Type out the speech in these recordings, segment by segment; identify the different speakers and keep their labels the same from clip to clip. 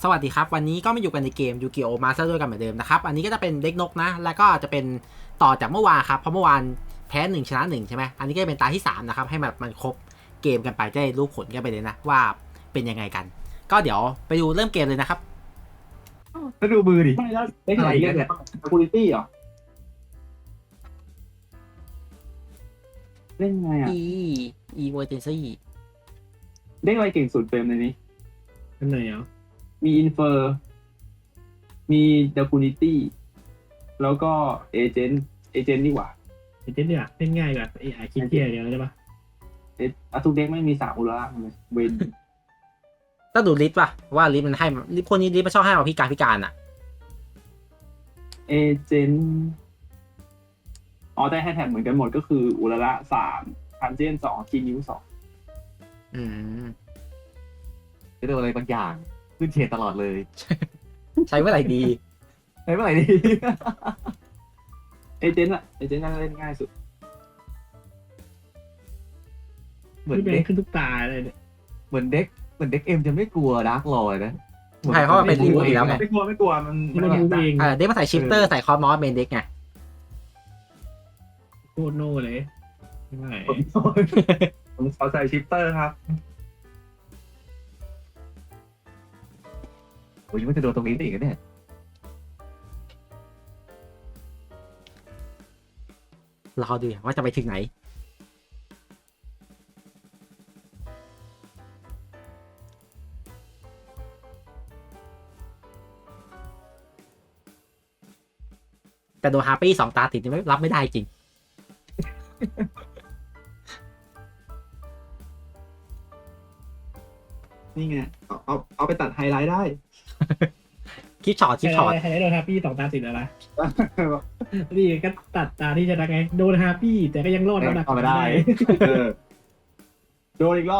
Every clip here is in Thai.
Speaker 1: สวัสดีครับวันนี้ก็มาอยู่กันในเกมยูกิโอมาสเตอร์ด้วยกันเหมือนเดิมนะครับอันนี้ก็จะเป็นเด็กนกนะแล้วก็จะเป็นต่อจากเมื่อวานครับเพราะเมื่อวานแพ้1ชนะ1ใช่ไหมอันนี้ก็จะเป็นตาที่3นะครับให้มันครบเกมกันไปจะได้รู้ผลกันไปเลยนะว่าเป็นยังไงกันก็เดี๋ยวไปดูเริ่มเกมเลยนะครับ
Speaker 2: แล้วดูมือดิ
Speaker 3: ไม่แล้วเล็กไหนเรียกเนี่ย Security เหรอเล่นไงอ่ะ
Speaker 1: emergency
Speaker 3: เล่นอะไรเก่งสุดเฟรมในนี้
Speaker 2: อันไหนอ่ะ
Speaker 3: มี Infer มี Security แล้วก็ Agent นี่หว่า
Speaker 2: เอเจนต์เนี่ยเล่นง่ายแบบไอ้คิดเกียร์เดียวใช่ปะ
Speaker 3: ทุกเด็กไม่มี3อุลาเลยเวน
Speaker 1: ต้องดูลิสต์ป่ะว่าลิสต์มันให้ลิสต์พวกนี้ลิสต์มันชอบให้มาพิการอ่ะ
Speaker 3: Agent อ๋อได้ให้แท็บเหมือนกันหมดก็คืออุลา3ทันเจน2คีนิ้ว2
Speaker 1: อืม
Speaker 2: จะโดนอะไรบางอย่างขึ้นเชนตลอดเลย
Speaker 1: ใช้เมื่อไหร่ดี
Speaker 2: ใช้เมื่อไหร่ดี
Speaker 3: Agent น่าจะเล่นง่ายสุด
Speaker 2: เหมือน
Speaker 4: แบ
Speaker 2: เด็
Speaker 4: ง
Speaker 2: ก
Speaker 4: ขึ้นทุกตาเลยเนี่ย
Speaker 2: เหมือนเด็กเอ็มจะไม่กลัวดาร์กลอยนะ
Speaker 1: ใช่เพราะมันเป็นรีโมทอยู่แล้วไง
Speaker 3: ไม่กลัวมัน
Speaker 4: มันรู้เอง
Speaker 1: เด็กมาใส่ชิปเตอร์ใส่คอร์มอสเมนเด็กไง
Speaker 4: โคตรโน่เลยไม่
Speaker 3: ผมขอใส่ชิปเตอร์ครับ
Speaker 2: โอ้ยมันจะโดนตรงนี้ได้อีกนะเนี่ย
Speaker 1: รอดูว่าจะไปถึงไหนแต่โดนฮาร์ปี้2 ตาติดนี่ไม่รับไม่ได้จริง
Speaker 3: นี่ไงเอาไปตัดไฮไลท์ได้
Speaker 1: คลิปช็อต
Speaker 4: ให้โดนฮาปี้2 ตาติดแล้วนะนี่ก็ตัดตาที่ชนะไงโดนฮาปี้แต่ก็ยังรอดระดับ
Speaker 2: เอาไม่ได้
Speaker 3: โดนอีกรอบ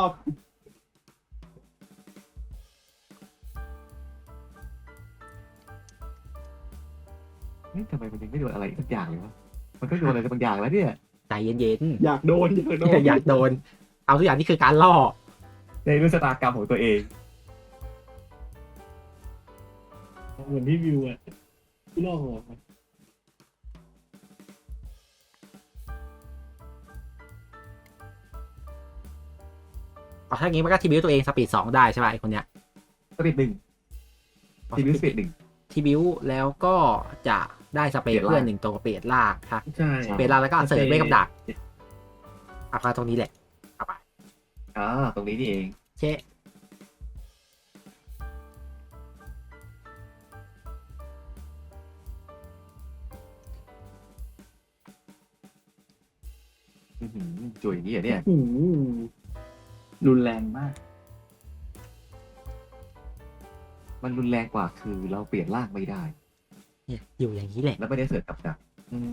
Speaker 2: เฮ้ยทำไมมันยังไม่โดนอะไรสักอย่างเลยวะมันก็โดนอะไรบางอย่างแล้วเนี่ย
Speaker 1: ใจเย็น
Speaker 3: อยากโดน
Speaker 1: ๆ อยากโดน เอาทุกอย่างนี่คือการล่อ
Speaker 2: ในเรื่องชะตากรรมของตัวเอง
Speaker 4: เหมือนพี่วิวอ่ะที่ล่อหัว
Speaker 1: เอาถ้างี้มันก็ทีบิวตัวเองสปีด2ได้ใช่ป่ะไอคนเนี้ย
Speaker 2: สปีดหนึ่งทีวิวสปีดหนึ่ง
Speaker 1: ทีบิวแล้วก็จะได้สเปรย์เพื่อน1 ตัวกับเปรตลากครับ
Speaker 4: ใช่
Speaker 1: เปรตลากแล้วก็เสริมเวกับดักเอาไปตรงนี้แหละเอาไป
Speaker 2: ตรงนี้นี่เอง
Speaker 1: เช่
Speaker 2: จุ๋ยอย่างนี้เหรอเนี่ย
Speaker 3: รุนแรงมาก
Speaker 2: มันรุนแรงกว่าคือเราเปลี่ยนร่างไม่ได้
Speaker 1: เนี่ยอยู่อย่างนี้แหละ
Speaker 2: แล้วไม่ได้เสิร์ฟกับดัก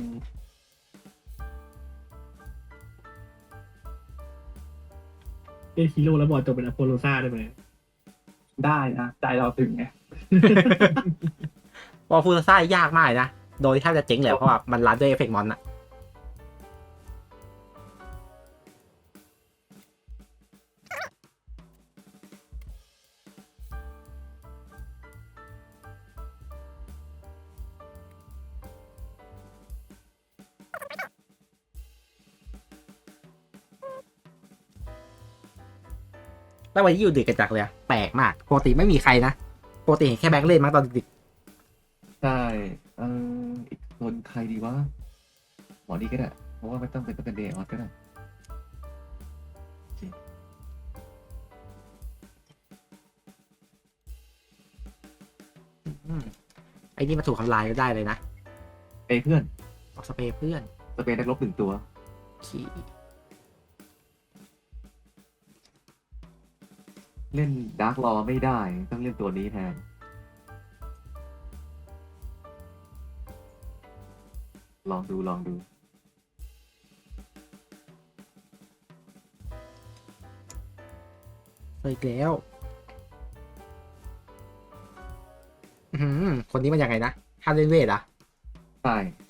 Speaker 4: เป็นฮีโร่แล้วบอลจบเป็นอโปโลซ่าได้ไหม
Speaker 3: ได้นะใจเราถึงไง
Speaker 1: พอฟูซ่ายากมากเลยนะ โดยแทบจะเจ๊งเลยเพราะว่ามันรันด้วยเอฟเฟกต์มอนอะแล้ววันนี้อยู่ดึกกันจักเลยอะแปลกมากปกติไม่มีใครนะปกติเห็นแค่แบงค์เล่นมั้งตอนดึก
Speaker 2: ใช่อีกคนใครดีวะหมอนี่ก็ได้เพราะว่าไม่ต้องเป็นเดย์ออสก็ได้
Speaker 1: ไอ้นี่มาถูกทำลายก็ได้เลยนะ
Speaker 2: เพื่อน
Speaker 1: ออกสเปรย์เพื่อน
Speaker 2: สเปนนักรบ1 ตัว
Speaker 1: ขี่
Speaker 2: เล่นดาร์กรอไม่ได้ต้องเล่นตัวนี้แทน ลองดู
Speaker 1: อีกแล้วคนนี้มันยังไงนะห้ามเล่นเวทอะ
Speaker 2: ใช่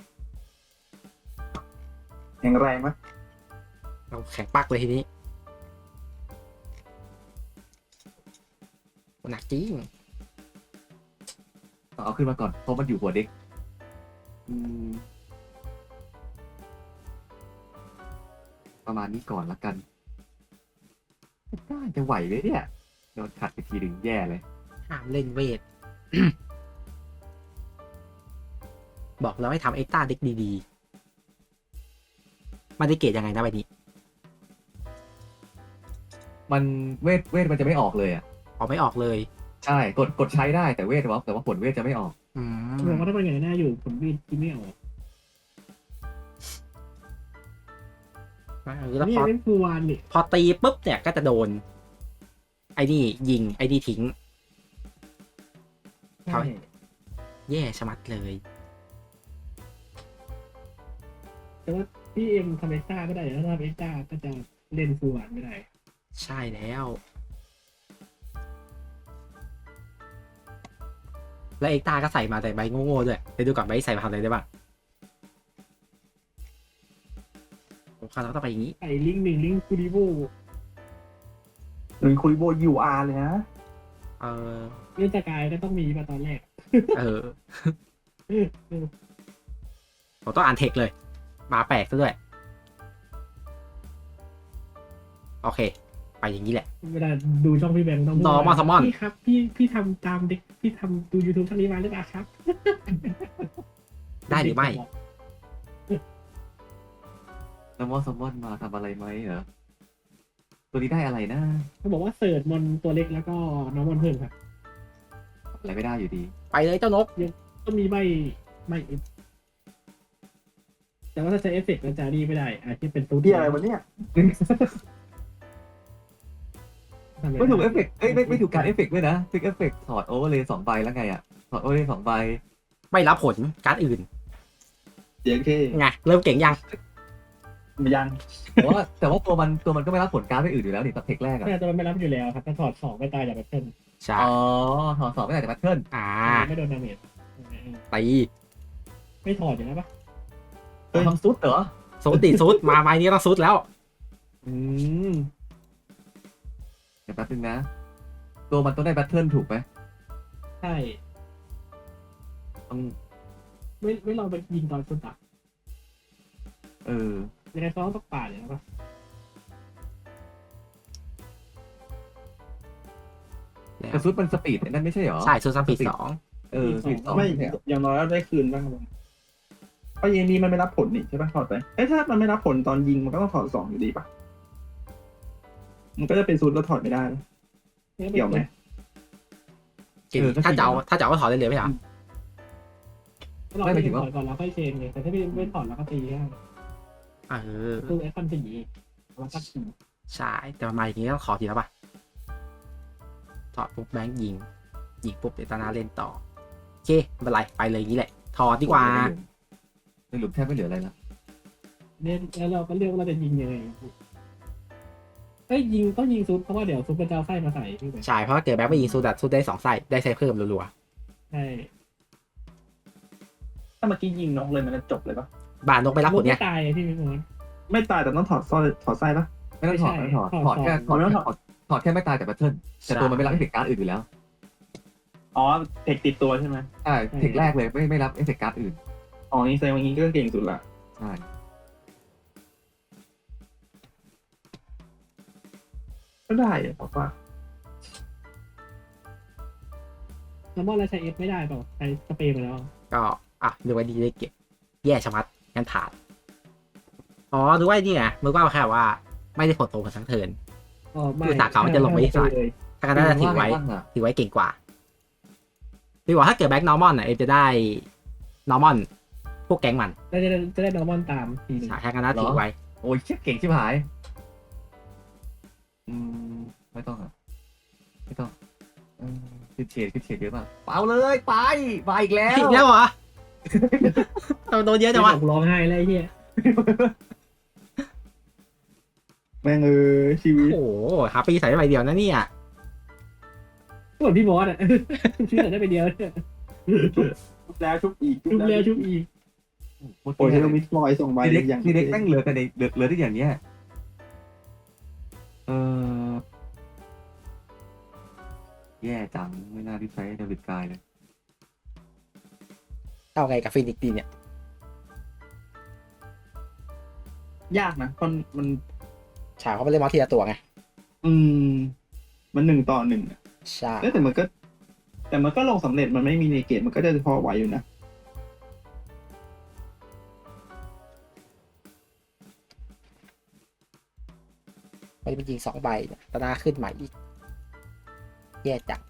Speaker 3: แข็งแรงไหม
Speaker 1: เราแข็งปักเลยทีนี้หนักจริง
Speaker 2: ต้องเอาขึ้นมาก่อนเพราะมันอยู่หัวเด็กอืมประมาณนี้ก่อนละกันน่าจะไหวไหมเนี่ยโดนขัดไปทีหนึ่งแย่เลย
Speaker 1: ห้ามเล่นเวท บอกแล้วให้ทำเอ็กซ์ต้าเด็กดีๆมันได้เกรดยังไงนะใบนี้
Speaker 2: มันเวทมันจะไม่ออกเลยอ่ะ
Speaker 1: ออกไม่ออกเลย
Speaker 2: ใช่กดใช้ได้แต่เวทแต่ว่าผลเวทจะไม่ออก
Speaker 1: อื
Speaker 4: ผม
Speaker 1: ม
Speaker 4: ว่าถ้าเป็นอย่างนั้นอยู่ผมวิ่งกินไม่ออก
Speaker 1: แล้ว
Speaker 4: นี่
Speaker 1: พอ
Speaker 4: เป็นฟูวานนี่
Speaker 1: พอตีปุ๊บเนี่ยก็จะโดน ไอ้นี่ยิงไอ้นี่ทิ้ง
Speaker 4: ใช่
Speaker 1: แย่ชะมัดเลย
Speaker 4: แต่ว่าพี่เอ็มทำเอ็กซ์ต้าก็ได้แล้วถ้าเอ็กซ์ต้าก็จะเล่นฟูวานไม่ได้
Speaker 1: ใช่แล้ว แล้วเอ็กซ์ตาก็ใส่มาแต่ใบโง่ๆด้วยไปดูก่อนใบใส่มาทำอะไรได้บ้างโอ้คราวเราต้องไปอย่างนี้
Speaker 4: ไอ้ลิงก์หนึ่งลิงก์คูดิโบ
Speaker 3: หรือคุยโบยูอาร์เลยนะ
Speaker 1: เออ
Speaker 4: เล่นสกายก็ต้องมีมาตอนแรก
Speaker 1: เออ ผมต้องอ่านเทคเลย มาแปลกซะด้วย โอเค ไปอย่างนี้แหละ
Speaker 4: เวลาดูช่องพี่แบงค์ต้อง
Speaker 1: Normal Summon
Speaker 4: พี่ครับพี่ทำตามเด็กพี่ทำดู YouTube ช่องนี้มาหรือเปล่าครับ
Speaker 1: ได้หรือไม่
Speaker 2: แล้วมอสมอนมาทำอะไรไหมเหรอตัวนี้ได้อะไรนะ
Speaker 4: เขาบอกว่าเสิร์ชมอนตัวเล็กแล้วก็น้องมอนเพิ่มครับ
Speaker 2: อะไรไม่ได้อยู่ดี
Speaker 1: ไปเลยเจ้านก
Speaker 4: ก็มีไม่เอฟแต่ว่าถ้าใช้เอฟเฟกต์มันจะนี่ไม่ได้อาจจะเป็นตัว
Speaker 3: ที่อะไรวะเนี่ย
Speaker 4: ทำอะร
Speaker 2: ไม่ถูกเอฟเฟกต์ไม่ถูกการเอฟเฟกต์ด้วยนะฟิกเอฟเฟกต์ถอดโอเวอร์เลย2 ใบแล้วไงอ่ะถอดโอเวอร์เลย2 ใบ
Speaker 1: ไม่รับผลการ์ดอื่น
Speaker 3: เดี๋ยวแค่
Speaker 1: ไง เริ่มเก่งยัง
Speaker 3: ยัง
Speaker 2: แต่ว่าตัวมันก็ไม่รับผลการ์ดไปอื่นอยู่แล้วนี่ตัดเทคแรกอ่ะ
Speaker 4: แต่มันไม่รับอยู่แล้วครับถ้าถอด2ไม่ตายจากแบตเทิล
Speaker 1: ใช่
Speaker 2: อ๋อถอด2ไม่ได้แต่แพทเทิร์น
Speaker 1: อ่า
Speaker 4: ไม่โดนดาเมจ
Speaker 1: ตี
Speaker 4: ไม่ถอดอยู่แล้วปะ
Speaker 2: ทำซุดเหรอ
Speaker 1: ซูดติซูดมาไม้นี้ต้องซูดแล้ว
Speaker 2: อืมเดี๋ยวแป๊บนึงนะ ตัวมันต้องได้แพทเทิร์นถูกไหม
Speaker 4: ใช่
Speaker 2: ต้อง
Speaker 4: ไม่ลองไปยิงตอนสุดอะ
Speaker 2: เออ
Speaker 4: ยังไงเขาต้องป่าดอยู่แล้วปะ
Speaker 2: แต่ซุดมันสปีดไอ้นั่นไม่ใช่เหรอ
Speaker 1: ใช่ซูดซัมปี2
Speaker 2: สปีด2
Speaker 3: ไม่
Speaker 2: เนี่ย
Speaker 3: อย่างน้อยได้คืนบ้างครับเพราะยิงนี้มันไม่รับผลนี่ใช่ปะถอดไปถ้ามันไม่รับผลตอนยิงมันก็ต้องถอด2อยู่ดีปะมันก็จะเป็นซูนแล้วถอดไม่ได้นะเกี่ยวไหม
Speaker 1: เก่งถ้าจะเอาก็ถอดได้เลยไหมล่ะ
Speaker 4: เราไม่ถอดก่อนแล้วค่อยเชนไงแต่ถ้าไม่ถอดแล้วก็ตีได้
Speaker 1: เออ
Speaker 4: คือไอคอนสีแล้วก็ขี่
Speaker 1: ใช่ แต่มันมาอย่างนี้ต้องขอทีแล้วป่ะ ถอดปุ๊บแบงค์ยิงปุ๊บเดตานาเล่นต่อ โอเคไม่เป็นไร ไปเลยอย่างนี้แหละ ถอดดีกว่า
Speaker 2: ในหลุมแทบไม่เหลืออะไรละ
Speaker 4: เนี่ยแล้วเราก็เลือกว่าเราจะยิงยังไงยิงต้องยิงซุปเพราะว่าเดี๋ยวซุปมันจะเอาไส้มาใส่พี่ไป
Speaker 1: ใช่ เพราะว่าเกิดแบงค์ไปยิงซูดัดซูได้2 ไส้ได้ไส้เพิ่มรัว
Speaker 4: ใช่
Speaker 3: ถ้าเมื่อกี้ยิงนกเลยมันจะจบเลยปะ
Speaker 1: ๆบานนกไปรับผลเนี่ย
Speaker 4: ไม่ตายพี่มิมอน
Speaker 3: ไม่ตายแต่ต้องถอดสร้อยถอดไส้ปะ
Speaker 2: ไม่ต้องถอด
Speaker 4: ไม่
Speaker 2: ไม่
Speaker 4: ใช่
Speaker 2: ต้องถอด ถอดแค่ไม่ตายแต่แพทเทิร์นแต่ตัวมันไม่รับเอฟเฟกต์การ์ดอื่นอยู่แล้ว
Speaker 3: อ๋อเทคติดตัวใช่ไหม
Speaker 2: ใช่เทคแรกเลยไม่รับเอฟเฟกต์การ์ดอื่น
Speaker 3: อ๋อนี่แสดงว่างี้ก็เก่งสุดละ
Speaker 2: ใช่
Speaker 3: ก็ได้อะผมว่า
Speaker 4: แล้วมอนแล้วใช้เอฟไม่ได้เปล่าใช้สเปรย์มาแล้ว
Speaker 1: ก็ดูไว้ดีได้เก็บแย่ชะมัดงั้นผ่าน อ๋อดูไว้นี่ไงมือว่าแค่ว่า ไม่ได้ผลโตกันทั้งเทิร์น
Speaker 4: ไม่
Speaker 1: คือสาขามันจะลงไปที่สาย ถ้ากันน่าจะถือไว้
Speaker 2: บ้างอะ
Speaker 1: ถือไว้เก่งกว่าพี่บอกถ้าเกิดแบ็กนอร์มอนเอ็มจะได้นอร์มอนพวกแก๊งมัน
Speaker 4: จะได้นอร์มอนตามทีนึง
Speaker 1: ใช่ถ้ากันน่าถือไว้
Speaker 2: โอ้ยเชี่ยเก่งชิบหาย ไม่ต้องอ่ะไม่ต้องขึ้นเฉดเยอะมากเปล่าเลยไปมาอีกแล้ว
Speaker 1: อีกแล้วเหรอ โดนเยอะจังวะ
Speaker 4: ผมร้องไห้เลยไอ้เฮีย
Speaker 3: แม่งชีวิต
Speaker 1: โอ้โหฮาปีใส่ได้ใบเดียวนะเนี่ย
Speaker 4: เหมือนพี่บอสอ่ะ ชื่อได้ไปเดียวเนี่ย
Speaker 3: ชุบแล้วชุบอีก
Speaker 4: ชุบแล้วชุบอีก
Speaker 3: โอ้ยเรามิสมอยส่งใบ
Speaker 2: ทีเล็ก
Speaker 3: อย่าง
Speaker 2: ทีเล็กแม่งเหลือแต่ในเหลือที่อย่างเนี้ยแย่จังไม่น่าที่ใช้เดวิดกายเลย
Speaker 1: เอาไงกับฟินิกซ์ดีเนี่ย
Speaker 3: ยากนะมัน
Speaker 1: ฉากเขาไม่เล่นมอสทีละตัวไง
Speaker 3: อืม มัน1-1อะ
Speaker 1: ใช่
Speaker 3: แต่มันก็ลงสำเร็จมันไม่มีในเกมมันก็จะพอไหวอยู่นะ
Speaker 1: ไปเป็นยิง2 ใบเนี่ยตาหน้าขึ้นใหม่อีกแย่จัง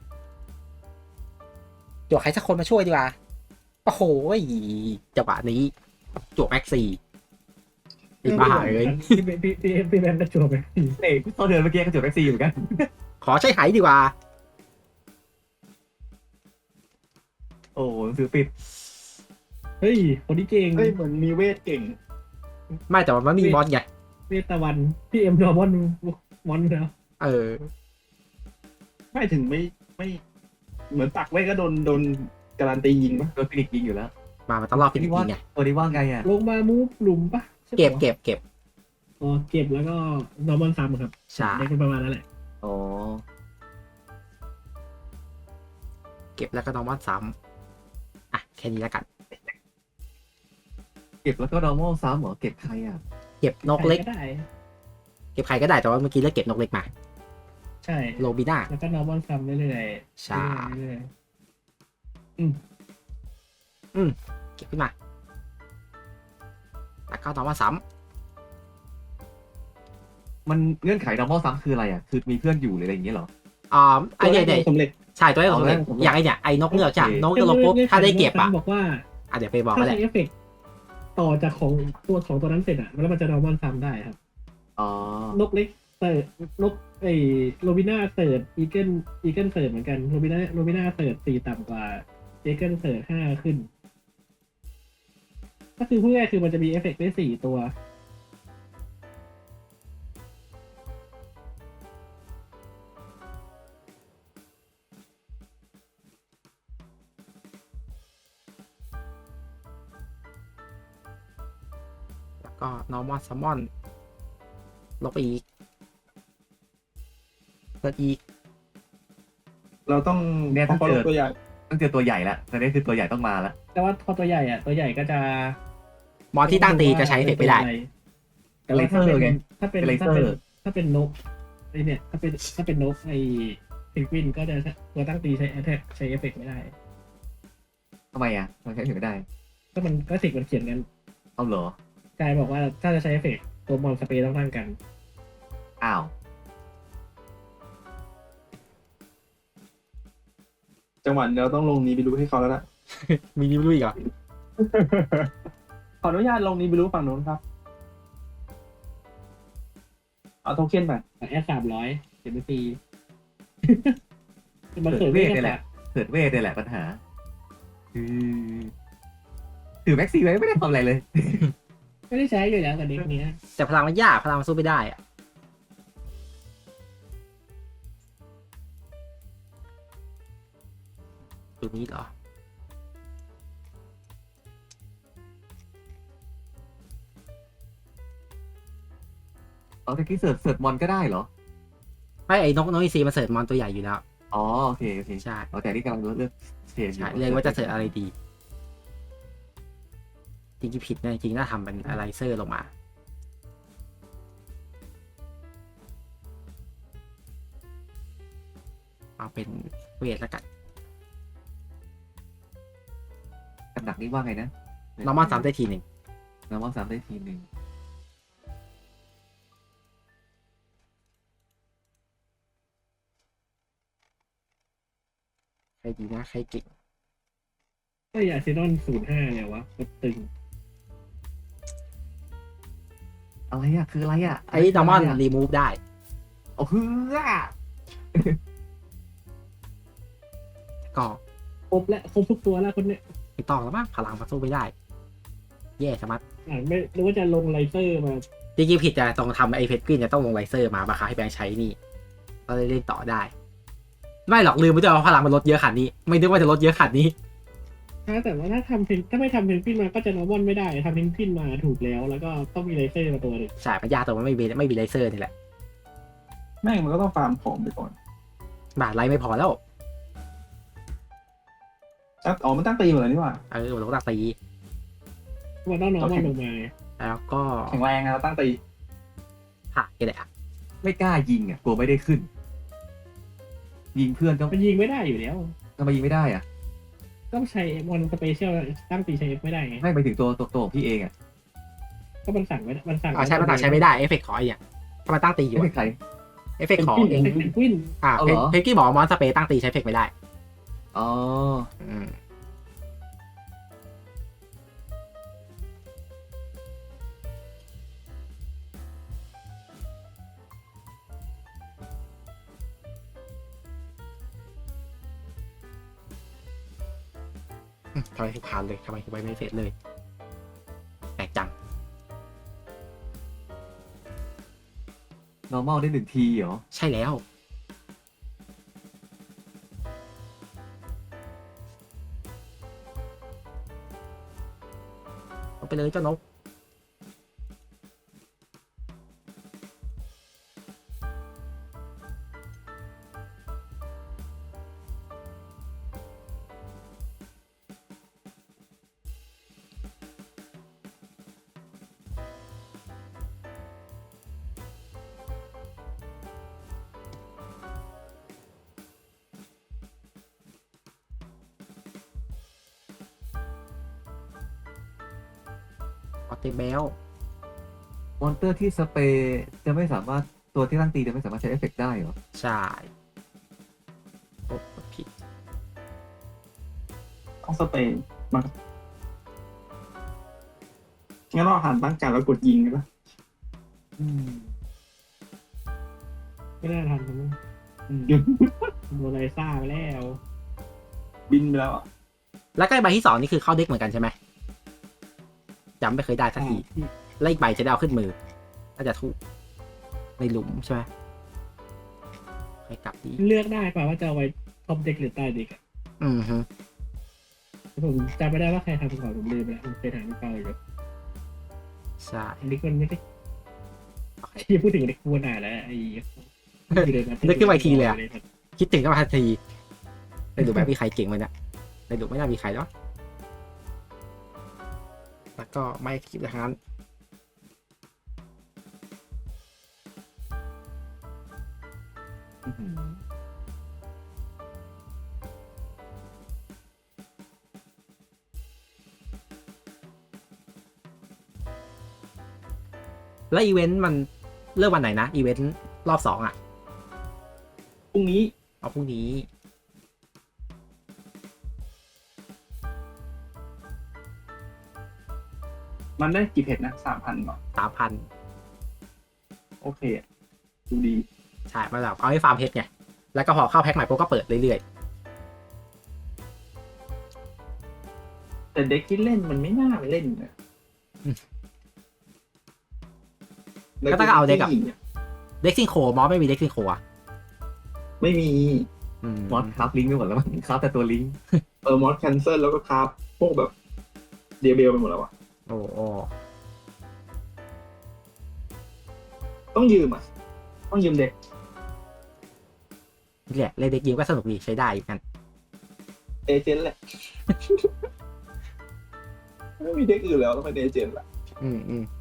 Speaker 1: จวกใครสักคนมาช่วยดีกว่าโอ้โหจังหวะนี้จวกแม็กซี่ไอ้บ้าเลย
Speaker 4: พี่แบงค์ก็จวบไป
Speaker 2: เอ้ยตอนเดินเมื่อกี้ก็จุดแม็กซี่เหมือนกัน
Speaker 1: ขอใช้ไหดีกว่า
Speaker 2: โอ้หนังสือปิด
Speaker 4: เฮ้ยคนนี้เก่ง
Speaker 3: เฮ้ยเหมือนมีเวทเก่ง
Speaker 1: ไม่แต่ว่ามันมีมอสไง
Speaker 4: เวทตะวันพี่เอ็มดอมอนมอนแล้ว
Speaker 1: เออ
Speaker 3: ไม่ถึงไม่เหมือนปักไว้ก็โดนการันตียิงปะ
Speaker 2: โดนฟินิกซ์ยิงอยู่แล้ว
Speaker 1: มันต้องรอฟินิกซ์ยิงไง
Speaker 2: ตัวนี้ว่าไงอ่ะ
Speaker 4: ลงมามูฟหลุมปะใช่ปะ
Speaker 1: เก็บ
Speaker 4: อ๋อเก็บแล้วก็นอร์มอนซัมครับ
Speaker 1: ใช่
Speaker 4: เด็กเป็นประมาณนั้นแหละ
Speaker 2: อ๋อ
Speaker 1: เก็บแล้วก็นอร์มอนซ้ำอ่ะแค่นี้แล้วกัน
Speaker 2: เก็บแล้วก็ normal ซ้ำเหรอเก็บใครอ่ะ
Speaker 1: เก็บนกเล็ก
Speaker 4: ใครได้
Speaker 1: เก็บใครก็ได้แต่ว่าเมื่อกี้เลือกเก็บนกเล็กมา
Speaker 4: ใช่
Speaker 1: โรบิน่า
Speaker 4: แล้วก็นอร์มอนซัมเรื่อยๆ
Speaker 1: ใช่
Speaker 4: เรื่อย
Speaker 1: เก็บขึ้นมาแล้วก็นอร์มอนซ้
Speaker 2: มันเงื่อนไข normal ซ้ำคืออะไรอ่ะคือมีเพื่อนอยู่หรืออะไรอย่างเงี้ยเหรอ
Speaker 1: ำไอ้เนี่ย
Speaker 3: สำเร็จ
Speaker 1: ใช่ตัวนี้ผมเลย
Speaker 2: เอาแล้ว
Speaker 1: อย่างไอ้เนี่ยไอ้นกเนี่ยจ้ะ
Speaker 2: โอเค
Speaker 1: นกจะลงปุ๊บถ้าได้เก็บอ่ะ
Speaker 4: บอกว่า
Speaker 1: เดี๋ยวไปบอก
Speaker 4: ถ้า
Speaker 1: ก็ได้
Speaker 4: ใช้เอฟเฟกต์ต่อจากของตัวนั้นเสร็จอะแล้วมันจะนอร์มอนซัมได้ครับ
Speaker 2: อ๋อน
Speaker 4: กเล็กเสิร์ฟนกโรบิน่าเสิร์ฟอีเกิลเสิร์ฟเหมือนกันโรบิน่าเสิร์ฟ4ต่ำกว่าอีเกิลเสิร์ฟ5ขึ้น ก็คือพูดง่ายๆคือมันจะมีเอฟเฟกต์ได้4ตัว
Speaker 1: แล้วก็นอร์มอนซัมมอนลบไปอีกเปิดอีก
Speaker 3: เราต้อง
Speaker 2: เนี่ย
Speaker 3: เพ
Speaker 2: ต้อง
Speaker 3: ราะ
Speaker 2: เจ
Speaker 3: เรา
Speaker 2: อ
Speaker 3: ตัวใหญ่
Speaker 2: ต้องเจอตัวใหญ่แล้วตอนนี้คือตัวใหญ่ต้องมาแล้ว
Speaker 4: แต่ว่าพอตัวใหญ่ตัวใหญ่ก็จะ
Speaker 1: มอนที่ตั้งตีจะใช้เอฟเฟกต์ไม่ได้
Speaker 4: แต่ว่าถ้าเป็น
Speaker 2: เลเซอร์ไง
Speaker 4: ถ้าเป็น
Speaker 2: เป็นเลเซอร์
Speaker 4: ถ้าเป็นนกไอเนี่ยถ้าเป็นนกไอเพนกวินก็จะตัวตั้งตีใช้แอทแทกใช้เอฟเฟกต์ไม่ได้
Speaker 2: ทำไมอ่ะมันใช้ถึงไม่ได้
Speaker 4: ก็มันก็สิกมันเขียนกัน
Speaker 2: เอาเหรอก
Speaker 4: ายบอกว่าถ้าจะใช้เอฟเฟกต์ตัวมอนสเปรย์ต้องตั้งกัน
Speaker 2: อ้าว
Speaker 3: จังหวะเราต้องลงนี้ไปรู้ให้เขาแล้วล่ะ
Speaker 1: มีนิ้วลุยอีกเหรอ
Speaker 3: ขออนุญาตลงนี้ไปรู้ฝั่งโน้นครับ เอาโทเค็นไป
Speaker 4: แอด300เดี๋ยวไปตี มัน
Speaker 2: เกิ
Speaker 4: เกิ
Speaker 2: ด
Speaker 4: ด
Speaker 2: เว
Speaker 4: เว
Speaker 2: ท
Speaker 4: ท
Speaker 2: นี่
Speaker 4: นี่
Speaker 2: แห
Speaker 4: แห
Speaker 2: ละ
Speaker 4: ละ
Speaker 2: เกิดเวทนี่แหละปัญหาถือแม็กซี่ไว้ไม่ได้ทำอะไรเลย
Speaker 4: ไม่ได้ใช้อยู่แล้วกับเด็กเนี้ย
Speaker 1: แต่พลังมันยากพลังมันสู้ไม่ได้อะตัวนี้เหรอ
Speaker 2: เอาตะกี้เสิร์ชมอนก็ได้เหรอ
Speaker 1: ไม่ไอ้นกอีซีมันเสิร์ฟมอนตัวใหญ่อยู่แล้ว
Speaker 2: อ๋อโอเคโอเค
Speaker 1: ใช่
Speaker 2: เอาแต่นี่กำลังเลือกเชนอยู่
Speaker 1: ใช่เลยว่าจะเสิร์ฟอะไรดี จริงๆผิดนะจริงๆน่าทำเป็นอะไรเซอร์ลงมา เอาเป็นเวทแล้วกัน
Speaker 2: กับดักนี่ว่าไงนะ
Speaker 1: นอร์มอนซ้ำได้ทีหนึ่ง
Speaker 2: นอร์มอนซ้ำได้ทีหนึ่ง
Speaker 1: ใครดีนะใครเก่ง
Speaker 4: ก็อย่าเซนอน05เนี่ยวะก็ตึง
Speaker 2: อะไรอ่ะคืออะไรอ่ะ
Speaker 1: ไอ้นอร์มอนรีมูฟได้
Speaker 2: โอ้เฮือ
Speaker 1: ก็
Speaker 4: ครบและครบทุกตัวแล้วคนเนี้ย
Speaker 1: ไม่ต้องแล้วมั้งพลังมันสู้ไม่ได้ แย่สมัด
Speaker 4: ไม่รู้ว่าจะลงไลเซอร์มา
Speaker 1: จริงๆผิดจะต้องทำไอ้เพชรกวินจะต้องลงไลเซอร์มาบังคับให้แบงค์ใช้นี่ก็เลยเล่นต่อได้ ไม่หรอกลืมไปด้วยว่าพลังมันลดเยอะขนาดนี้ ไม่นึกว่าจะลดเยอะขนาดนี้
Speaker 4: แต่ว่าถ้าไม่ทำเพนกวินมาก็จะนอร์มอนไม่ได้ทำเพนกวินมาถูกแล้ว แล้วก็ต้องมีไลเซอร์มาตัวหนึ่ง
Speaker 1: ใช่มันยากตรงมันไม่มีไลเซอร์นี่แหละ
Speaker 3: แม่งมันก็ต้องฟาร์มของไปก่อน
Speaker 1: บาทไลไม่พอแล้ว
Speaker 3: ใช่อ๋อมันตั้งตีหมดเลยนี่หว่า
Speaker 1: มันต้องตี
Speaker 4: มันต้องน้องมันลงมาไง
Speaker 1: แล้วก็
Speaker 3: แข็งแรงอะเราตั้งตี
Speaker 1: ผ่านกันเลยอ่ะ
Speaker 2: ไม่กล้ายิงอ่ะกลัวไม่ได้ขึ้น ยิงเพื่อนก็
Speaker 4: มันยิงไม่ได้อยู่แล้ว
Speaker 2: ทำไมยิงไม่ได้อ่ะ
Speaker 4: ต้องใช้มอนสเปเชียลตั้งตีใช้ F ไม่ได้ไง
Speaker 2: ไม่ไปถึงตัวของพี่เองอ่ะ
Speaker 4: ก็มันสั่งไม่ได้มันสั่ง
Speaker 1: ใช้ใช้ไม่ได้เอฟเฟกต์ของไอ้เนี่ยถ้ามันตั้งตีอยู่
Speaker 2: ไม่เป็นใคร
Speaker 1: เอฟเฟกต์ของ
Speaker 4: เอ
Speaker 1: เอง
Speaker 4: งเป็นกวิน
Speaker 2: เอาเหรอ
Speaker 1: เพกี้บอกมอนสเปย์ตั้งตีใช้เอฟเฟกต์ไม่ได้
Speaker 2: อ๋อ
Speaker 1: อืมทำไมถึงผ่านเลยทำไมถึงไปไม่เสร็จเลยแปลกจัง
Speaker 2: normal ได้1 ทีเหรอ
Speaker 1: ใช่แล้วเอาไปเลยเจ้านกออเตเบล
Speaker 2: มอนเตอร์ที่สเปรย์จะไม่สามารถตัวที่ตั้งตีจะไม่สามารถใช้เอฟเฟกต์ได้เหรอ
Speaker 1: ใช่โอ้ผิด
Speaker 3: ต้องสเปนมางั้นเราหันตั้งการแล้วกดยิงกันปะ
Speaker 2: อืม
Speaker 4: ไม่น่าทันผมโดนไลซ่าไปแล้ว
Speaker 3: บินไปแล้วอ่ะ
Speaker 1: แล้วก็ใบที่สองนี่คือเข้าเด็กเหมือนกันใช่ไหมจำไม่เคยได้สักทีแล้วอีกใบจะได้เอาขึ้นมือน่าจะถูกในหลุมใช่ไหมให้กลับดี
Speaker 4: เลือกได้ป่ะว่าจะเอาไว้ท็อปเด็กหรือใต้เด็กอะ
Speaker 1: อือฮึ
Speaker 4: ผมจำไม่ได้ว่าใครทำก่อนผมลืมไปแล้วผมเคยถามพี่เปาอยู่
Speaker 1: ใช่
Speaker 4: เด็กมันไม่ได้ที่พูดถึงเด็กควรอ่านแล้วไอ้
Speaker 1: นึกขึ้นมาอีกทีเลยอะคิดถึงก็มาทันทีในหลุมแบบมีใครเก่งไหมเนี่ยในหลุมไม่น่ามีใครแล้วแล้วก็ไม่คิดอย่างนั้น
Speaker 2: อื้อหือ
Speaker 1: แล้วอีเวนต์มันเริ่มวันไหนนะอีเวนต์รอบสองอ่ะ
Speaker 3: พรุ่งนี้
Speaker 1: เอาพรุ่งนี้
Speaker 3: มันได้กี่เพจนะ3,000ก่อน
Speaker 1: 3,000
Speaker 3: โอเคอะดูดี
Speaker 1: ใช่มาแบบเอาให้ฟาร์มเพชรไงแล้วก็พอเข้าแพ็คใหม่ปุ๊บก็เปิดเรื่อย
Speaker 3: แต่เด็กที่เล่นมันไม่น่าเล่นนะ
Speaker 1: ก็ต้องเอาเด็กกับเด็กซิงโคมอสไม่มีเด็กซิงโคอ่ะ
Speaker 3: ไม่มี
Speaker 2: มอสครับลิงก์ไปหมดแล้วมั้งครับแต่ตัวลิงก์
Speaker 3: มอสแคนเซิลแล้วก็คราฟพวกแบบเดียเบลไปหมดแล้วอ่ะ
Speaker 1: โอ้โอ้
Speaker 3: ต้องยืมอ่ะ ต้องยืมเด็ก
Speaker 1: นี่แหละเล่นเด็กยิมก็สนุกดีใช้ได้อยู่กัน
Speaker 3: เอเจนต์แหละ ไม่มีเด็กอื่นแล้วต้องเป็นเอเจนต์ละ
Speaker 1: อืม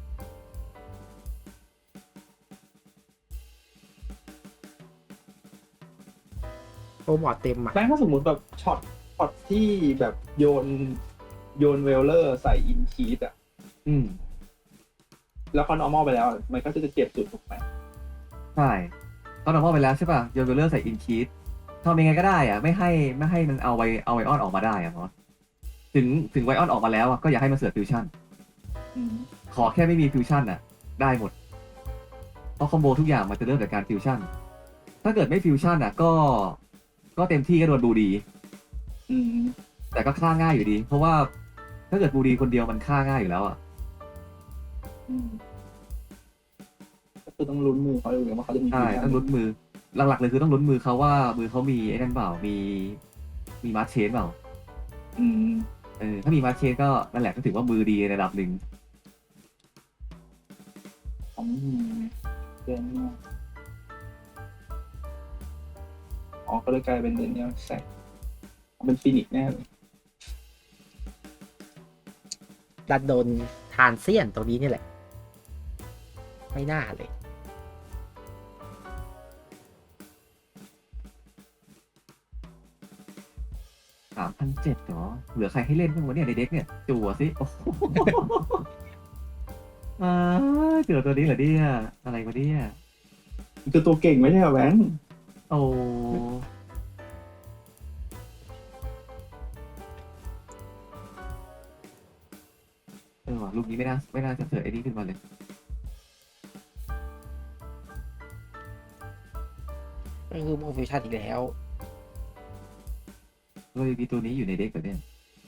Speaker 1: โอ้บอร์ดเต็มอ่ะ
Speaker 3: แม้ถ้าสมมติแบบช็อตที่แบบโยนเวลเลอร์ใส่อินคีดอ่ะ
Speaker 2: อืม
Speaker 3: แล้วเขา normal ไปแล้ว มันก็จะเจ็บสุดถูกไหม
Speaker 2: ใช่ตอนออกมาไปแล้วใช่ป่ะโยนเวลเลอร์ใส่อินคีดทำยังไงก็ได้อ่ะไม่ให้มันเอาไวออนออกมาได้อ่ะมอสถึงไวออนออกมาแล้วอ่ะก็อย่าให้มันเสือกฟิวชั่น ขอแค่ไม่มีฟิวชั่นอ่ะ ได้หมด เพราะคอมโบทุกอย่างมันจะเริ่มจากการฟิวชั่น ถ้าเกิดไม่ฟิวชั่นอ่ะก็เต็มที่ก็โดนบูดี
Speaker 3: อืม
Speaker 2: แต่ก็ฆ่าง่ายอยู่ดี เพราะว่าถ้าเกิดบูดีคนเดียวมันฆ่าง่ายอยู่แล้วอ่ะ
Speaker 3: ก็คือต้องลุ้นมือเขาเลยว่าเขาจะมี
Speaker 2: ใช่ต้องลุ้นมือ หลักๆเลยคือต้องลุ้นมือเขาว่ามือเขามีไอ้นั่นเปล่ามีมาร์ชเชนเปล่า
Speaker 3: อืม
Speaker 2: ถ้ามีมาร์ชเชนก็นั่นแหละก็ถือว่ามือดีในระดับหนึ่ง
Speaker 3: ของเดือนนี้อ๋อก็เลยกลายเป็นเดือนนี้แสกเป็นฟินิกซ์แน่เลย
Speaker 1: ดันโดนทานเซียนตรงนี้นี่แหละ ไม่น่าเลย
Speaker 2: 3,700เหรอเหลือใครให้เล่นบ้างวะเนี่ยในเด็กเนี่ยจั่วสิโอ้โหเจอตัวนี้เหรอเนี่ยอะไรวะเนี่ย
Speaker 3: มันคือตัวเก่งไม่ใช่เหรอแบงค์
Speaker 2: โอ้ว่ะลูกนี้ไม่น่าจะเสิร์ฟไอ้นี่ขึ้นมาเลย
Speaker 1: ก็คือโมฟิวชั่นอีกแล้ว
Speaker 2: เลยมีตัวนี้อยู่ในเด็กแบบเนี้ย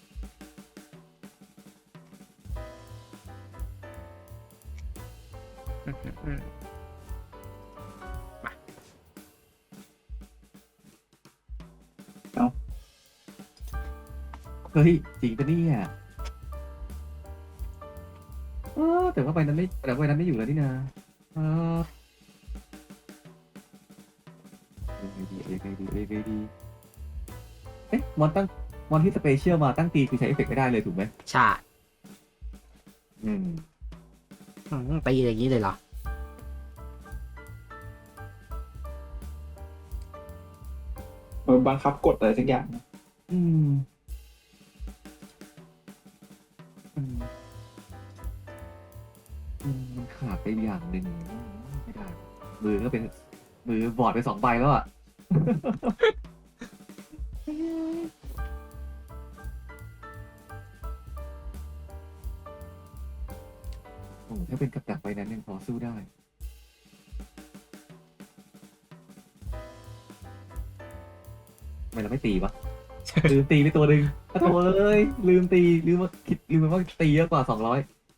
Speaker 2: เฮ้ยจริงปะเนี่ยแต่ว่าใบนั้นไม่อยู่แล้วนี่นะยังไงดีเอ๊ะมอนที่สเปเชียลมาตั้งตีคือใช้เอฟเฟกต์ไม่ได้เลยถูกไหม
Speaker 1: ใช่
Speaker 2: อืม
Speaker 1: ตีอย่างนี้เลยเหรอ
Speaker 3: มันบังคับกดอะไรสักอย่าง
Speaker 2: อืมมันขาดไปอย่างหนึ่งไม่ได้มือบอดไป2 ใบแล้วอ่ะ โอ้ถ้าเป็นกับดักใบนั้นยังพอสู้ได้ทำไมเราไม่ตีวะ ลืมตีไปตัวหนึ่งโถ่เลยลืมว่าตีเยอะกว่า200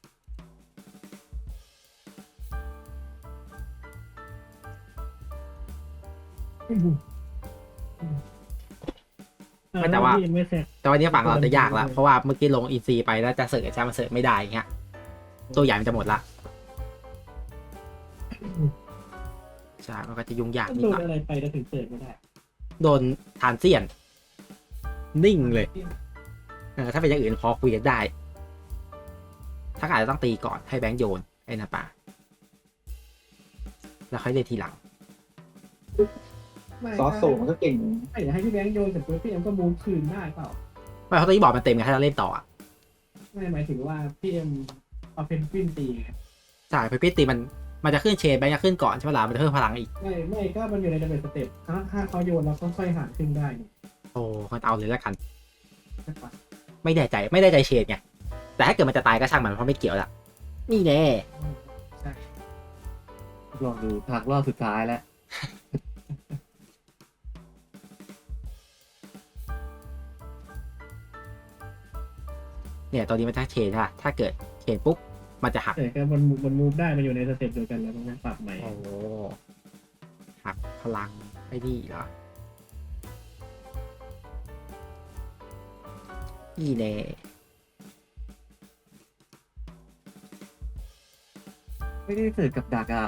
Speaker 1: แต่ว่า
Speaker 4: ยังไม่เสร็จ
Speaker 1: แต่วันนี้ฝั่งเราจะยากละเพราะว่าเมื่อกี้ลงอินซีไปแล้วจะเสิร์ฟใช่มันเสิร์ฟไม่ได้อย่างเงี้ยตัวใหญ่มันจะหมดละใช่มันก็จะยุ่งยาก
Speaker 4: ต้อง
Speaker 1: นิด
Speaker 4: โด
Speaker 1: ห
Speaker 4: น
Speaker 1: น่อย
Speaker 4: อะไรไปแล้วถึงเปิดไม่ได้
Speaker 1: โดนทานเซียน นิ่งเลยถ้าเป็นอย่างอื่นพอคุยกันได้ ถ้าอาจจะต้องตีก่อนให้แบงค์โยนไอ้นาป่าแล้วค่อยเล่นทีหลัง
Speaker 3: ซอสโซมันก็เก่ง
Speaker 4: ไม่ให้พี่แบงค์โยนเสร็จปุ๊บพี่เอ็มก็มูฟคืนได้เปล่า
Speaker 1: ไม่เพราะตอนนี้บอร์ดมันเต็มไงถ้าเราเล่นต่ออ่ะ
Speaker 4: ไม่หมายถึงว่าพี่เอ็มเอาเพนกวินตีไง
Speaker 1: ใช่เพอร์พิตีมันจะขึ้นเชนแบงค์จะขึ้นก่อนใช่ไหมล่ะมันจะเพิ่มพลังอีก
Speaker 4: ไม่ก็มันอยู่ในดับเบิลสเต็ปถ้าเขาโยนแล้วก็ค่อยหารขึ้นได้นี่
Speaker 1: โอ้มันเอาเลยแล้วกัน
Speaker 4: ใช่ปะ
Speaker 1: ไม่แน่ใจเชนไงแต่ถ้าเกิดมันจะตายก็ช่างมันเพราะไม่เกี่ยวละนี่แน่
Speaker 4: ใช่
Speaker 2: ลองดูทางรอบสุดท้ายแล้ว
Speaker 1: เนี่ยตอนนี้มันถ้าเชนค่ะถ้าเกิดเชนปุ๊บมันจะหัก
Speaker 4: แต่ก็มันมูฟได้มันอยู่ในสเต็ปเดียวกันแล้วมันปรับใหม่
Speaker 1: โอ้หักพลังไอ้นี่เหรอนี่แน่
Speaker 2: ไม่ได้เสิร์ฟกับดักอ่ะ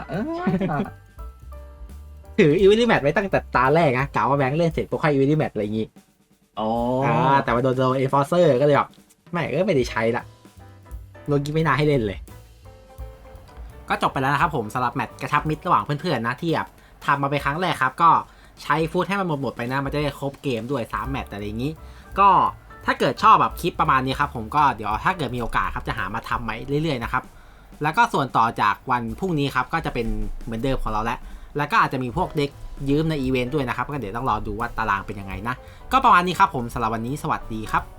Speaker 1: ถืออีวิลลี่แมทไว้ตั้งแต่ตาแรกนะกล่าวว่าแบงค์เล่นเสร็จปุ๊บให้อีวิลลี่แมทอะไรอย่างงี้
Speaker 2: อ๋อ
Speaker 1: แต่ว่าโดนเอฟอร์เซอร์ก็เลยแบบไม่ได้ใช้ละโลกี้ไม่น่าให้เล่นเลย ก็จบไปแล้วนะครับผมสำหรับแมตช์กระชับมิตรระหว่างเพื่อนๆนะที่แบบทำมาเป็นครั้งแรกครับก็ใช้ฟุตให้มันหมดไปนะมันจะได้ครบเกมด้วย3แมตช์อะไรอย่างนี้ ก็ถ้าเกิดชอบแบบคลิปประมาณนี้ครับผมก็เดี๋ยวถ้าเกิดมีโอกาสครับจะหามาทำใหม่เรื่อยๆนะครับแล้วก็ส่วนต่อจากวันพรุ่งนี้ครับก็จะเป็นเหมือนเดิมของเราแล้วก็อาจจะมีพวกเด็กยืมในอีเวนต์ด้วยนะครับก็เดี๋ยวต้องรอดูว่าตารางเป็นยังไงนะก็ประมาณนี้ครับผมสำหรับวันนี้สวัสดีครับ